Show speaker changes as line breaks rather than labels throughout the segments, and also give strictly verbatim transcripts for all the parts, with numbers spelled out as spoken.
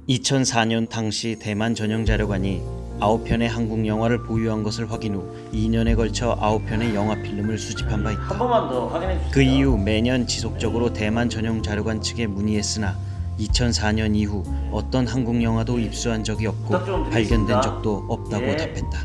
이천사 년 당시 대만 전형자료관이 아홉 편의 한국 영화를 보유한 것을 확인 후 이 년에 걸쳐 아홉 편의 영화 필름을 수집한 바
한
있다.
번만 더 확인해 주세요.
그 이후 매년 지속적으로 대만 전형자료관 측에 문의했으나 이천사 년 이후 어떤 한국 영화도 입수한 적이 없고
부탁 좀 드리겠습니다.
발견된 적도 없다고
예.
답했다.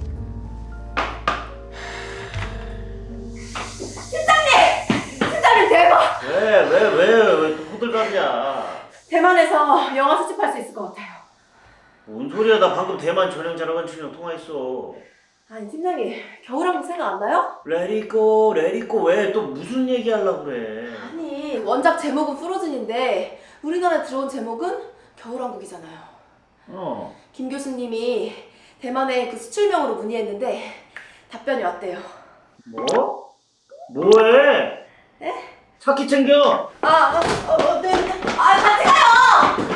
팀장님 대박!
왜 왜 왜 왜 또 호들갑이야?
대만에서 영화 수집할 수 있을 것 같아요.
뭔 소리야? 나 방금 대만 전형 자료관 출연 통화했어.
아니 팀장님 겨울왕국 생각 안 나요?
레리꼬 레리꼬 왜 또 무슨 얘기 하려고 그래?
아니 원작 제목은 프로즌인데 우리나라에 들어온 제목은 겨울왕국이잖아요.
어.
김 교수님이 대만에 그 수출명으로 문의했는데 답변이 왔대요.
뭐? 뭐해?
에?
차키 챙겨.
아, 아, 어, 어, 네, 네. 아, 같이 가요!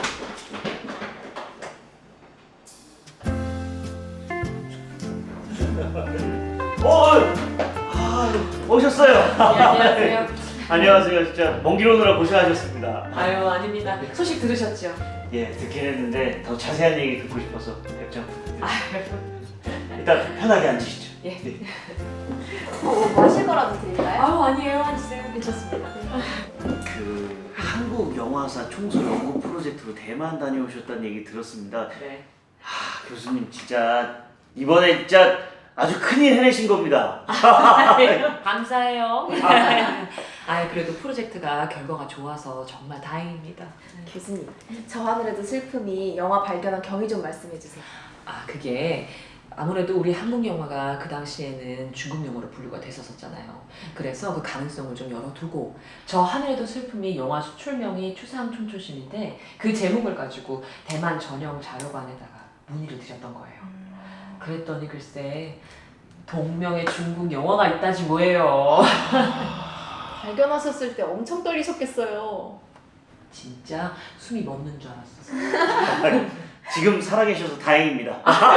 어, 아, 오셨어요.
안녕하세요.
안녕하세요. 진짜 먼 길 오느라 고생하셨습니다.
아유 아닙니다. 소식 들으셨죠?
예, 듣긴 했는데 더 자세한 얘기 듣고 싶어서 답장 부탁드립니다.
아유,
일단 편하게 앉으시죠.
예.
뭐, 뭐 하실 거라도 드릴까요?
아유 아니에요. 앉으세요. 괜찮습니다.
그 한국 영화사 총수 연구 프로젝트로 대만 다녀오셨다는 얘기 들었습니다.
네.
하, 교수님 진짜 이번에 진짜 아주 큰일 해내신 겁니다.
감사해요. 아 그래도 프로젝트가 결과가 좋아서 정말 다행입니다.
교수님, 저 하늘에도 슬픔이 영화 발견한 경위 좀 말씀해 주세요.
아 그게 아무래도 우리 한국 영화가 그 당시에는 중국 영화로 분류가 됐었잖아요. 그래서 그 가능성을 좀 열어두고 저 하늘에도 슬픔이 영화 수출명이 추상촌초심인데 그 제목을 가지고 대만 전형 자료관에다가 문의를 드렸던 거예요. 그랬더니 글쎄 동명의 중국 영화가 있다지 뭐예요.
발견하셨을 때 엄청 떨리셨겠어요.
진짜 숨이 멎는 줄 알았어.
지금 살아계셔서 다행입니다.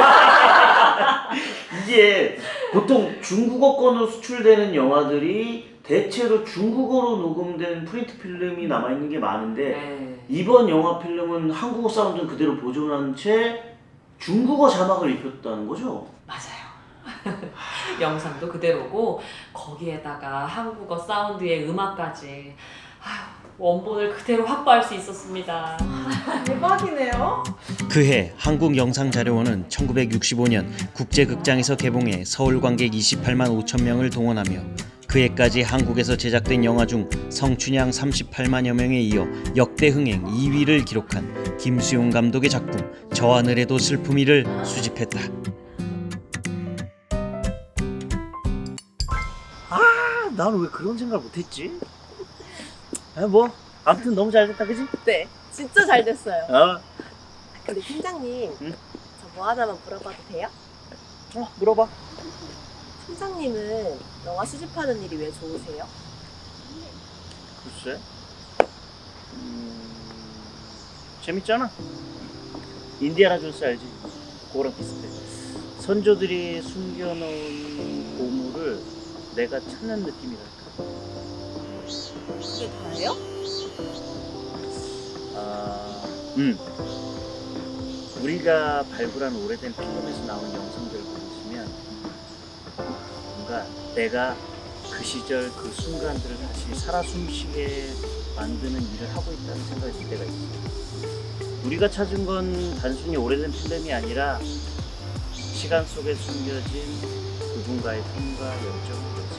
이게 보통 중국어권으로 수출되는 영화들이 대체로 중국어로 녹음된 프린트 필름이 남아있는 게 많은데
네.
이번 영화 필름은 한국어 사운드는 그대로 보존한 채 중국어 자막을 입혔다는 거죠?
맞아요. 영상도 그대로고 거기에다가 한국어 사운드의 음악까지 아휴, 원본을 그대로 확보할 수 있었습니다.
대박이네요.
그해 한국영상자료원은 천구백육십오 년 국제극장에서 개봉해 서울 관객 이십팔만 오천 명을 동원하며 그해까지 한국에서 제작된 영화 중 성춘향 삼십팔만여 명에 이어 역대 흥행 이 위를 기록한 김수용 감독의 작품 저 하늘에도 슬픔이를 수집했다.
아, 나는 왜 그런 생각을 못했지? 아, 뭐 아무튼 너무 잘 됐다, 그지?
네, 진짜 잘 됐어요.
어,
근데 팀장님,
응?
저 뭐 하나만 물어봐도 돼요?
어 물어봐.
팀장님은 영화 수집하는 일이 왜 좋으세요?
글쎄, 음, 재밌잖아. 인디아나 존스 알지? 그거랑 비슷해. 선조들이 숨겨놓은 보물을 내가 찾는 느낌이랄까.
그게 다예요?
아, 음. 우리가 발굴한 오래된 필름에서 나온 영상들을 보시면 뭔가 내가 그 시절 그 순간들을 다시 살아 숨쉬게 만드는 일을 하고 있다는 생각이 들 때가 있어요. 우리가 찾은 건 단순히 오래된 필름이 아니라 시간 속에 숨겨진 누군가의 꿈과 열정인 거지.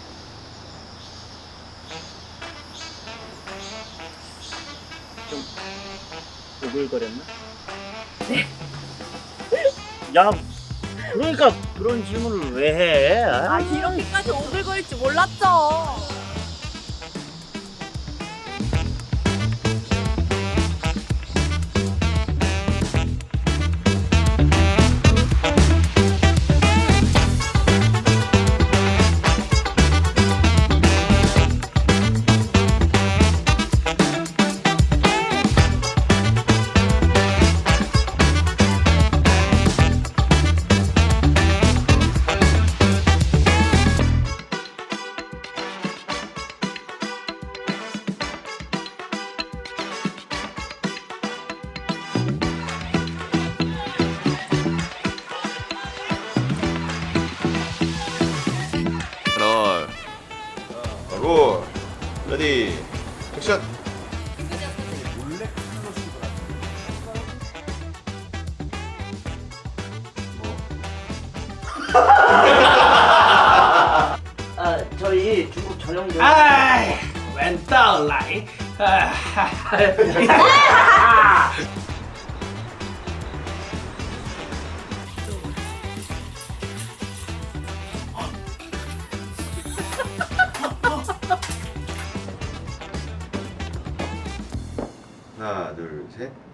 좀 오글거렸나? 네. 야, 그러니까 그런 질문을 왜 해?
아, 이렇게까지 오글거릴 줄 몰랐죠.
롤 레디 액션.
아 저희 중국 전용도.
哎，闻到来，啊，
하나 둘 셋.